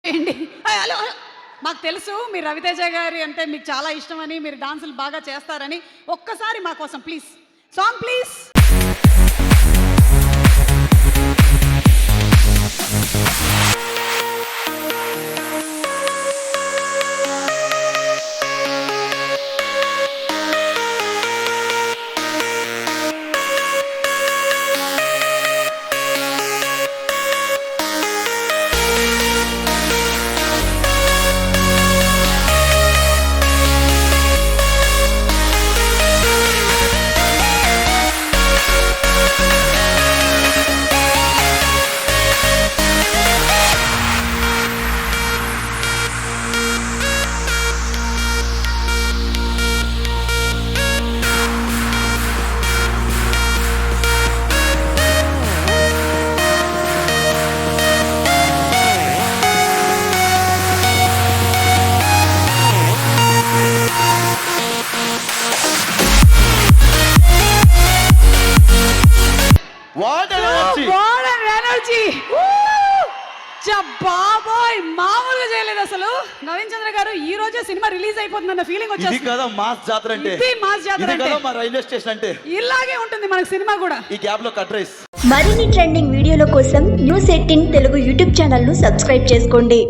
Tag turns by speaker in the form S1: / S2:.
S1: ఏంటి హలో మాకు తెలుసు మీరు రవితేజ గారి అంటే మీకు చాలా ఇష్టమని, మీరు డాన్సులు బాగా చేస్తారని. ఒక్కసారి మా కోసం ప్లీజ్ సాంగ్ ప్లీజ్. బాబోయ్ మామూలుగా చేయలేదు అసలు. నవీన్ చంద్ర గారు ఈ రోజే సినిమా రిలీజ్ అయిపోతుందన్న ఫీలింగ్ వచ్చేది.
S2: ఇది కదా మాస్ జాతర అంటే,
S1: ఇది మాస్ జాతర అంటే,
S2: మా రైల్వే స్టేషన్ అంటే
S1: ఇలాగే ఉంటుంది మనకి సినిమా కూడా.
S2: ఈ గ్యాప్ లో కట్ రైస్.
S3: మరిన్ని ట్రెండింగ్ వీడియోల కోసం న్యూస్ 18 తెలుగు యూట్యూబ్ ఛానల్ ను సబ్స్క్రైబ్ చేసుకోండి.